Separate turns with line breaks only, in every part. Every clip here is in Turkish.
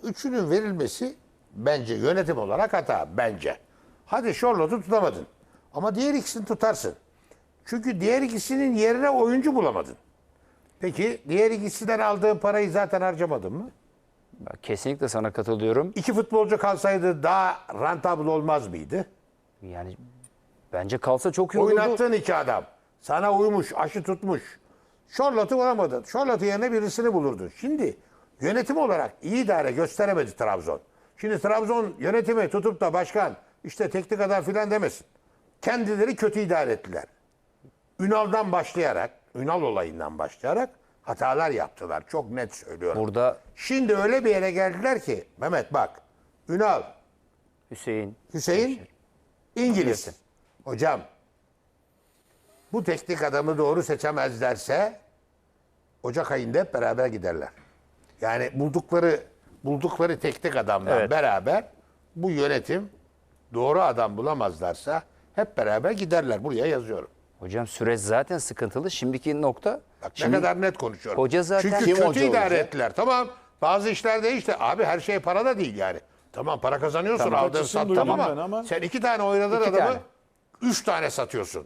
üçünün verilmesi bence yönetim olarak hata. Bence. Hadi Charlotte'u tutamadın. Ama diğer ikisini tutarsın. Çünkü diğer ikisinin yerine oyuncu bulamadın. Peki diğer ikisinden aldığın parayı zaten harcamadın mı?
Kesinlikle sana katılıyorum.
İki futbolcu kalsaydı daha rentable olmaz mıydı?
Yani bence kalsa çok iyi olurdu.
Oynattığın iki adam. Sana uymuş, aşı tutmuş. Charlotte'u bulamadın. Charlotte yerine birisini bulurdun. Şimdi yönetim olarak iyi idare gösteremedi Trabzon. Şimdi Trabzon yönetimi tutup da başkan işte teknik adam filan demesin. Kendileri kötü idare ettiler. Ünal'dan başlayarak, Ünal olayından başlayarak hatalar yaptılar. Çok net söylüyorum.
Burada
Şimdi öyle bir yere geldiler ki Mehmet bak. Ünal, Hüseyin İngiliz. Hocam bu teknik adamı doğru seçemezlerse Ocak ayında hep beraber giderler. Yani buldukları teknik adamla beraber bu yönetim doğru adam bulamazlarsa hep beraber giderler. Buraya yazıyorum.
hocam süreç zaten sıkıntılı. Şimdiki nokta
Bak ne kadar net konuşuyorum.
Hoca zaten
Çünkü
kim
kötü
hoca
idare
olacak?
ettiler. Tamam bazı işler değişti. Abi her şey para da değil yani. Tamam para kazanıyorsun
Tamam,
aldığın
açısını
sattın
duydum
ama,
ben ama
sen iki tane oynadığın
İki
adamı
tane.
3 tane satıyorsun.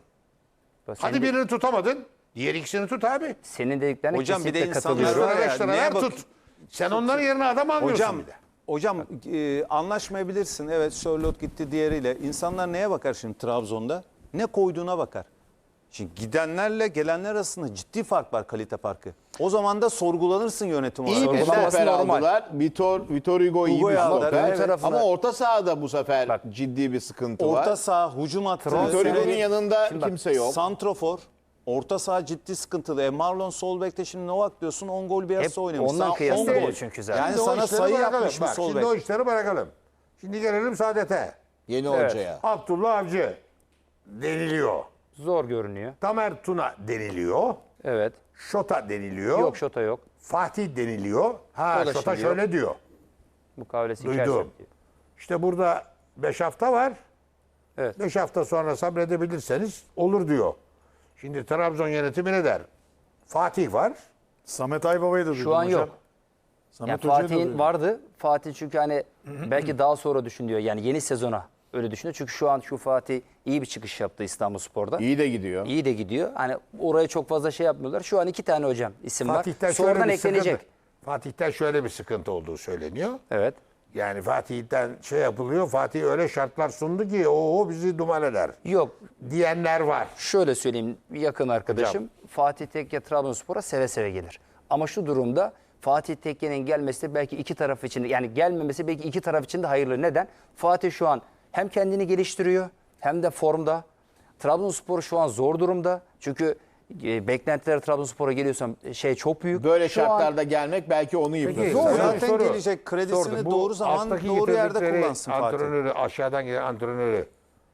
Hadi
senin,
birini tutamadın. Diğer ikisini tut abi.
senin dediklerine
Hocam bir de
kesinlikle
insanlar
katılıyorum.
var ya,
5 lira
neye
ver
bak-
tut. Sen onların yerine adam almıyorsun
Hocam,
bir de.
hocam anlaşmayabilirsin. Evet Charlotte gitti diğeriyle. İnsanlar neye bakar şimdi Trabzon'da? Ne koyduğuna bakar. Şimdi gidenlerle gelenler arasında ciddi fark var, kalite farkı. O zaman da sorgulanırsın yönetim olarak.
İyi bir
Sorgulanması
stoper
normal.
aldılar. Vitor Hugo iyi bir
Hugo'yu aldılar,
stoper.
evet.
tarafına-
Ama orta sahada bu sefer
Bak,
ciddi bir sıkıntı var.
Orta saha, hücum hattı,
Vitor Hugo'nun yanında
Şimdi bak,
kimse yok.
santrofor, orta saha ciddi sıkıntılı. Marlon sol bekte şimdi Novak diyorsun 10 gol bir
Hep
arası oynamış.
ondan
Sana 10
kıyaslıyor
gol.
çünkü zaten.
Yani
Şimdi o
sana
işleri
sayı
bırakalım.
yapmış bir
Bak,
sol
şimdi o
bek.
işleri bırakalım. Şimdi gelelim Saadet'e.
Yeni
Evet.
hocaya.
Abdullah Avcı deniliyor.
Zor görünüyor.
Tamer Tuna deniliyor.
Evet.
Şota deniliyor.
Yok şota yok.
Fatih deniliyor. Ha
O da
Şota
şimdi
şöyle diyor.
Mukavelesi
Duydum.
içerisinde.
İşte burada 5 hafta var.
Evet.
5 hafta sonra sabredebilirseniz olur diyor. Şimdi Trabzon yönetimi ne der? Fatih var.
Samet Aybaba'yı da duydum
Şu an
hocam.
yok.
Samet
Yani
Hoca'yı da
Fatih'in
duydum.
vardı. Fatih çünkü hani belki daha sonra düşünüyor. Yani yeni sezona öyle düşünüyor. Çünkü şu an şu Fatih iyi bir çıkış yaptı İstanbulspor'da.
İyi de gidiyor.
İyi de gidiyor. Hani oraya çok fazla şey yapmıyorlar. Şu an 2 tane hocam isim
Fatih'ten
var.
şöyle
Sonradan
bir
eklenecek.
sıkıntı. Fatih'ten şöyle bir sıkıntı olduğu söyleniyor.
Evet.
Yani Fatih'ten şey yapılıyor. Fatih öyle şartlar sundu ki o bizi duman eder
Yok.
diyenler var.
Şöyle söyleyeyim, yakın arkadaşım Fatih Tekke Trabzonspor'a seve seve gelir. Ama şu durumda Fatih Tekke'nin gelmesi de belki iki taraf için de, yani gelmemesi belki iki taraf için de hayırlı. Neden? Fatih şu an hem kendini geliştiriyor hem de formda. Trabzonspor şu an zor durumda. Çünkü beklentiler Trabzonspor'a geliyorsan çok büyük.
Böyle
Şu an-
şartlarda gelmek belki onu yıpratır.
Zor.
Zaten
Soru.
gelecek kredisini
Sordu. Bu
doğru zaman
alttaki
doğru yerde
getirdikleri
kullansın Fatih.
Antrenörü, aşağıdan gelen antrenörü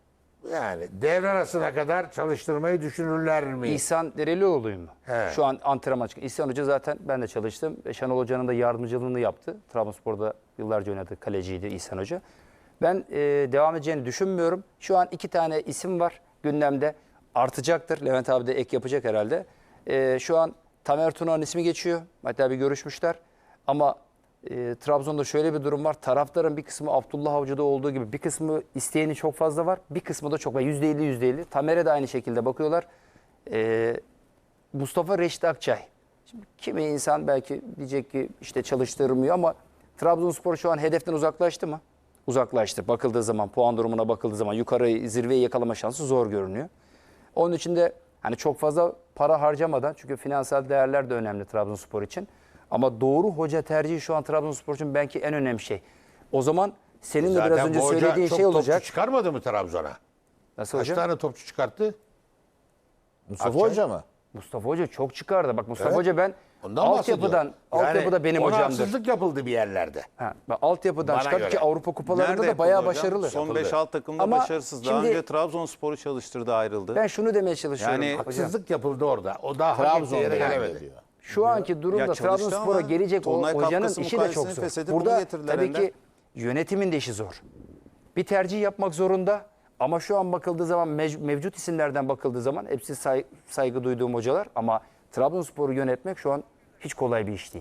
yani devre arasına kadar çalıştırmayı düşünürler mi?
İhsan Derelioğlu'yu mu?
He.
Şu an antrenman çıkıyor. İhsan Hoca zaten ben de çalıştım. Şenol Hoca'nın da yardımcılığını yaptı. Trabzonspor'da yıllarca oynadı. Kaleciydi İhsan Hoca. Ben devam edeceğini düşünmüyorum. Şu an 2 tane isim var gündemde. Artacaktır. Levent abi de ek yapacak herhalde. Şu an Tamer Tuna'nın ismi geçiyor. Hatta bir görüşmüşler. Ama Trabzon'da şöyle bir durum var. Taraftarın bir kısmı Abdullah Avcı'da olduğu gibi bir kısmı isteyeni çok fazla var. Bir kısmı da çok var. %50 %50. Tamer'e de aynı şekilde bakıyorlar. Mustafa Reşit Akçay. Şimdi kimi insan belki diyecek ki işte çalıştırmıyor ama Trabzonspor şu an hedeften uzaklaştı mı? Uzaklaştı. Bakıldığı zaman, puan durumuna bakıldığı zaman yukarı zirveyi yakalama şansı zor görünüyor. Onun için de hani çok fazla para harcamadan, çünkü finansal değerler de önemli Trabzonspor için. Ama doğru hoca tercihi şu an Trabzonspor için belki en önemli şey. O zaman senin de biraz önce
bu hoca
söylediğin
çok
şey olacak.
topçu çıkarmadı mı Trabzon'a?
Nasıl
Kaç
hocam?
tane topçu çıkarttı?
Mustafa
Akçay.
Hoca mı?
Mustafa Hoca çok çıkardı. Bak Mustafa
Evet.
Hoca ben
Ondan bahsediyorum.
altyapıda benim
ona
hocamdır.
haksızlık yapıldı bir yerlerde.
Altyapıdan
Bana
çıkardı
göre.
ki Avrupa kupalarında
Nerede
da bayağı
yapıldı hocam?
başarılı.
Son
Yapıldı.
5-6 takımda
Ama
başarısız. Daha
şimdi-
önce Trabzonspor'u çalıştırdı, ayrıldı.
Ben şunu demeye çalışıyorum
Yani
hocam.
Haksızlık yapıldı orada. O daha hak ettiği
Trabzon'da
yere
yani
gelemedi.
diyor.
Şu anki durumda
Ya çalıştı
Trabzonspor'a
ama
gelecek o
Tolunay
hocanın
Kafkas'ın
işi de çok
mukalesini
zor.
feshedip bunu
Burada
getirdiler
tabii
Ender.
ki yönetimin de işi zor. Bir tercih yapmak zorunda ama şu an bakıldığı zaman mevcut isimlerden bakıldığı zaman hepsi saygı duyduğum hocalar ama Trabzonspor'u yönetmek şu an hiç kolay bir iş değil.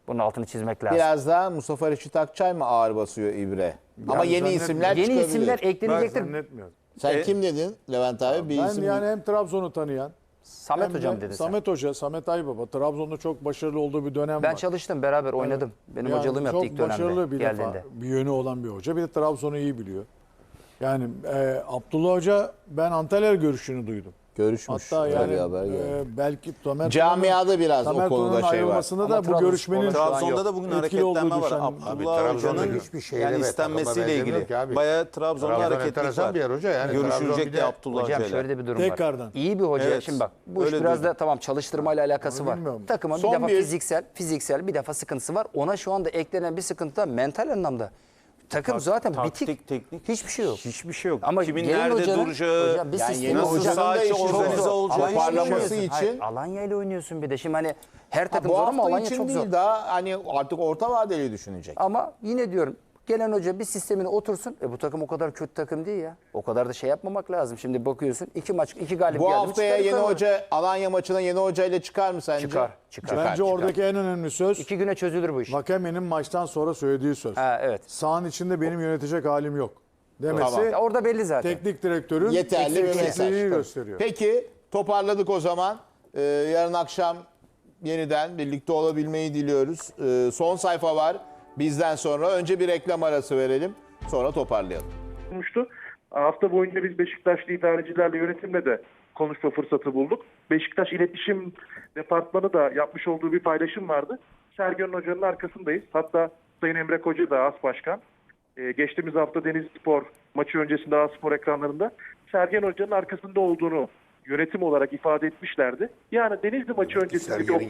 Bunun altını çizmek lazım.
Biraz daha Mustafa Reşit Akçay mı ağır basıyor İbre? Ama yeni
zannetmiyorum.
isimler
Yeni
çıkabilir.
isimler
Ben
eklenecektir.
zannetmiyorum.
Sen kim dedin Levent abi? Bir
Ben
isim
yani hem Trabzon'u tanıyan,
Samet
hem de
hocam dedi sen.
Samet Hoca, Samet Aybaba. Trabzon'da çok başarılı olduğu bir dönem
Ben
var.
çalıştım, beraber oynadım. Benim
Yani
hocalığım yaptı
çok
ilk dönemde
başarılı bir defa
geldiğinde.
bir yönü olan bir hoca. Bir de Trabzon'u iyi biliyor. Yani Abdullah Hoca ben Antalya görüşünü duydum.
görüşmüş.
Hatta
Öyle
yani
bir haber geldi.
belki Tamer
Camiada biraz
Tamer
o konuda
Tuna'nın
şey var.
ayrılmasında
Ama
da bu
Trabzonspor'da
görüşmenin
şu an
Trabzon'da
yok.
da bugün
Etkili olduğu
hareketlenme var.
düşen-
Abdullah
Trabzon'da
Hoca'nın
hiçbir şeyle
yani
takıma
istenmesiyle
benzemiyor
ilgili.
ki abi.
Bayağı Trabzon'da
Trabzon
hareketlik
enteresan
var.
bir yer hoca yani. Trabzon
Görüşülecek
bir
de
de-
Abdullah
Hocam
Hoca'yla.
şöyle de bir durum
Tekrardan.
var. İyi bir hoca.
Evet,
Şimdi bak bu iş
öyle
biraz
duydum.
da tamam çalıştırmayla alakası
Onu
var.
bilmiyorum.
Takımın bir
Son
defa
bir-
fiziksel bir defa sıkıntısı var. Ona şu anda eklenen bir sıkıntı da mental anlamda. Takım zaten
Taktik,
bitik.
teknik.
Hiçbir şey yok.
Hiçbir şey yok.
Ama
Kimin
gelin
nerede
hocanın-
duracağı,
hocam bir
Yani
sistemi
yeni
nasıl
hocam.
hocanın da
saha içi
işi
organize
zor.
olacağı
Ama
hiçbir şey yok.
parlaması
Hayır,
için
Alanya ile oynuyorsun bir de. Şimdi hani her takım
bu
zor ama
hafta
Alanya
için
çok
değil
zor.
daha hani artık orta vadeli düşünecek.
Ama yine diyorum gelen hoca bir sistemine otursun. Bu takım o kadar kötü takım değil ya. O kadar da şey yapmamak lazım. Şimdi bakıyorsun 2 maç 2 galip
Bu
geldi mi
haftaya
çıkar
yeni
yukarı.
hoca Alanya maçına yeni hocayla çıkar mı sence?
Çıkar.
Bence oradaki en önemli söz
2 güne çözülür bu iş.
Vakame'nin maçtan sonra söylediği söz.
Ha, evet.
Sahanın içinde benim yönetecek halim yok demesi
Tamam.
Ya orada belli zaten.
teknik direktörün
Yeterli bir mesaj.
eksikliğini gösteriyor.
Peki toparladık o zaman. Yarın akşam yeniden birlikte olabilmeyi diliyoruz. Son sayfa var bizden sonra. Önce bir reklam arası verelim. Sonra toparlayalım.
Olmuştu. Hafta boyunca biz Beşiktaşlı idarecilerle, yönetimle de konuşma fırsatı bulduk. Beşiktaş İletişim Departmanı da yapmış olduğu bir paylaşım vardı. Sergen Hoca'nın arkasındayız. Hatta Sayın Emre Koca da AS Başkan. Geçtiğimiz hafta Denizlispor maçı öncesinde AS Spor ekranlarında Sergen Hoca'nın arkasında olduğunu yönetim olarak ifade etmişlerdi. Yani Denizli maçı öncesindeki
Sergen'in
o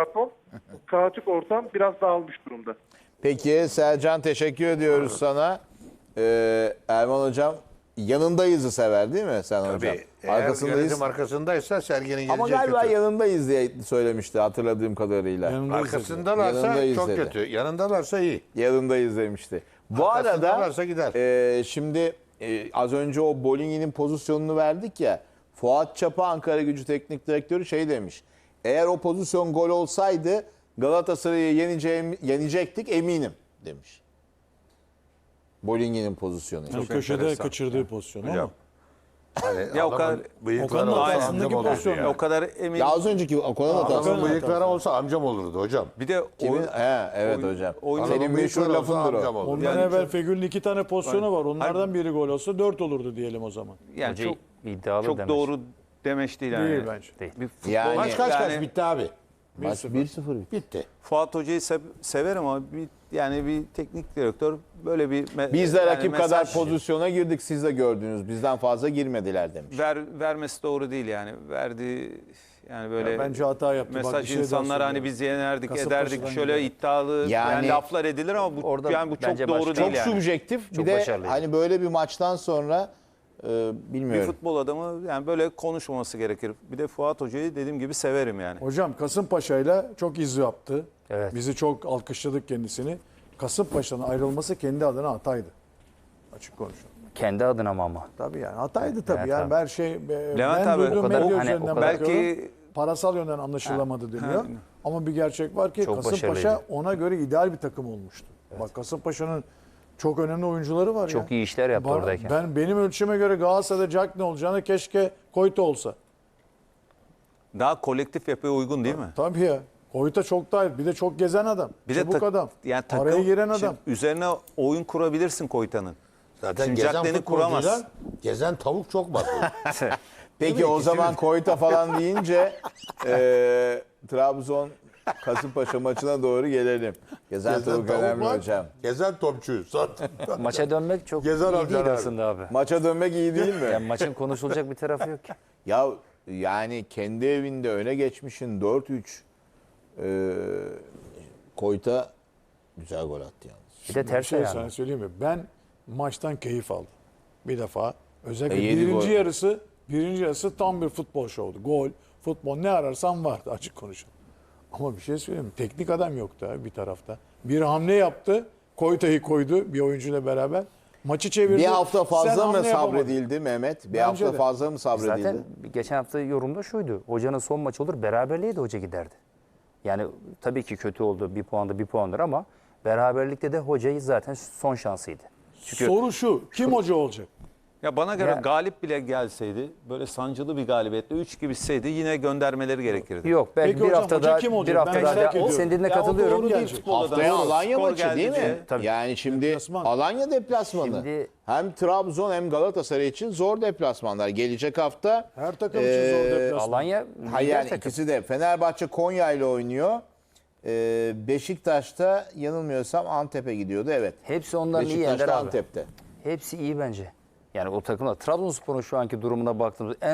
kaotik ortam biraz dağılmış durumda.
Peki Sercan teşekkür ediyoruz sana. Erman Hocam yanındayızı sever değil mi sen hocam?
Tabii. Eğer
Arkasındayız.
yönetim arkasındaysa Sergen'in geleceği
Ama galiba
kötü.
yanındayız diye söylemişti hatırladığım kadarıyla.
Yanındayız.
Arkasındalarsa
Yanındayız
çok
dedi.
kötü. Yanındalarsa iyi.
Yanındayız demişti. Bu arada
Arkasındalarsa gider.
şimdi az önce o Bolingi'nin pozisyonunu verdik ya. Fuat Çapa Ankara Gücü Teknik Direktörü şey demiş. Eğer o pozisyon gol olsaydı Galatasaray'ı yenecektik eminim demiş. Bolingi'nin pozisyonu.
Yani köşede
enteresan.
kaçırdığı pozisyon ama.
Hocam.
Hani
Ya o kadar-
adamın bıyıkları
Okan'ın
olsa
arkasındaki
amcam olurdu
pozisyon.
ya.
O kadar emin.
Ya az önceki Okan'ın hatası.
Adamın bıyıkları olsa amcam olurdu hocam.
Bir de
Kimin?
oyun-
Evet
oyun-
hocam.
oyun-
Senin
Adamın
meşhur
bıyıkları olsa
lafındır
amcam
o.
olurdu.
Ondan
Yani
evvel
çok-
Fegül'ün 2 tane pozisyonu var. Onlardan biri gol olsa 4 olurdu diyelim o zaman.
yani
Hoca
çok
iddialı
çok
demiş.
doğru demeç değil yani.
Değil bence.
Bir futbol-
Yani-
Maç kaç
Yani-
bitti abi?
Maç 1-0 bitti.
Bitti.
Fuat Hoca'yı severim ama bir teknik direktör böyle bir
Biz de
yani
rakip
mesaj
kadar pozisyona girdik siz de gördünüz. Bizden fazla girmediler demiş.
vermesi doğru değil yani. Verdiği yani böyle
Ya bence hata yaptı. Bak,
mesaj
bir şey daha
insanlara hani
söylüyorum.
biz yenerdik
Kasımpaşa'dan
ederdik şöyle
gidelim.
iddialı
Yani-
yani laflar edilir ama bu
Orada
yani bu çok
bence
doğru
başka-
değil
Çok
yani.
subjektif.
Çok
Bir de
başarılıydı.
hani böyle bir maçtan sonra
Bir
bilmiyorum.
futbol adamı yani böyle konuşmaması gerekir. Bir de Fuat Hoca'yı dediğim gibi severim yani.
Hocam Kasımpaşa'yla çok iz yaptı.
Evet.
Bizi çok alkışladık kendisini. Kasımpaşa'nın ayrılması kendi adına hataydı. Açık konuşalım.
Kendi adına mı ama?
Tabii yani hataydı tabii.
Evet,
yani
abi.
her şey
Levent
ben
abi,
duyduğum
o kadar-
medya
hani
üzerinden
o kadar-
bakıyorum.
Belki-
Parasal yönden anlaşılamadı deniyor. Ama bir gerçek var ki
Çok
Kasımpaşa
başarılıydı.
ona göre ideal bir takım olmuştu. Bak Kasımpaşa'nın çok önemli oyuncuları var ya.
Çok iyi işler yaptı oradayken.
Benim ölçüme göre Galatasaray'da Jack ne olacağını keşke Koyta olsa.
Daha kolektif yapıya uygun değil mi?
Tabii ya. Koyta çok daha bir de çok gezen adam.
Bir de
çabuk adam.
yani
Araya giren adam.
Şimdi üzerine oyun kurabilirsin Koyta'nın.
Zaten
Şimdi
gezen
Jack'lerini
futbolcuyla
kuramaz.
gezen tavuk çok var.
Peki o zaman Koyta falan deyince Trabzon Kasımpaşa maçına doğru gelelim. Gezen tavuk önemli
var,
hocam.
Gezen topçu.
Maça dönmek çok
Gezer
iyi
amcalar
değil
abi.
aslında abi.
Maça dönmek iyi değil mi?
Yani maçın konuşulacak bir tarafı yok ki.
Ya yani kendi evinde öne geçmişin 4-3 Koyta güzel gol attı yalnız.
Bir de
Bir
ters
şey
ayağına.
sana söyleyeyim mi? Ben maçtan keyif aldım. Bir defa. Özellikle
Yedi
birinci
gol.
yarısı tam bir futbol şovdu. Gol, futbol ne ararsan vardı açık konuşalım. Ama bir şey söyleyeyim mi? Teknik adam yoktu abi bir tarafta. Bir hamle yaptı. Koyta'yı koydu bir oyuncuyla beraber. Maçı çevirdi.
Bir hafta
Sen
fazla mı
hamle yapamadın.
sabredildi Mehmet? Bir
Bence
hafta
de.
fazla mı sabredildi?
Zaten geçen hafta yorumda şuydu. Hocanın son maçı olur beraberliğe de hoca giderdi. Yani tabii ki kötü oldu. Bir puanda bir puandır ama beraberlikte de hocayı zaten son şansıydı. Çünkü
Soru şu. Kim hoca olacak?
Ya bana göre
Ya-
galip bile gelseydi, böyle sancılı bir galibiyetle 3 gibi bitseydi yine göndermeleri gerekirdi.
yok belki
Peki
bir
hocam,
hafta
hoca
daha
kim olacak?
bir hafta
Ben
daha
merak ediyorum.
senin dediğine
Ya o
katılıyorum.
doğru değil
Gelecek.
futbolda.
Haftaya
Doğru.
Alanya
Skor
maçı değil mi?
geldikçe-
Tabii.
Yani şimdi
Deplasman.
Alanya deplasmanı.
Şimdi-
Hem Trabzon hem Galatasaray için zor deplasmanlar. Gelecek hafta
Her takım için zor deplasman.
Alanya
hayır
lider
yani
takım.
ikisi de Fenerbahçe Konya ile oynuyor. Beşiktaş'ta yanılmıyorsam Antep'e gidiyordu. Evet.
Hepsi ondan iyi
Beşiktaş'ta
Ender abi.
Antep'te.
Hepsi iyi bence. Yani o takımlar Trabzonspor'un şu anki durumuna baktığımızda en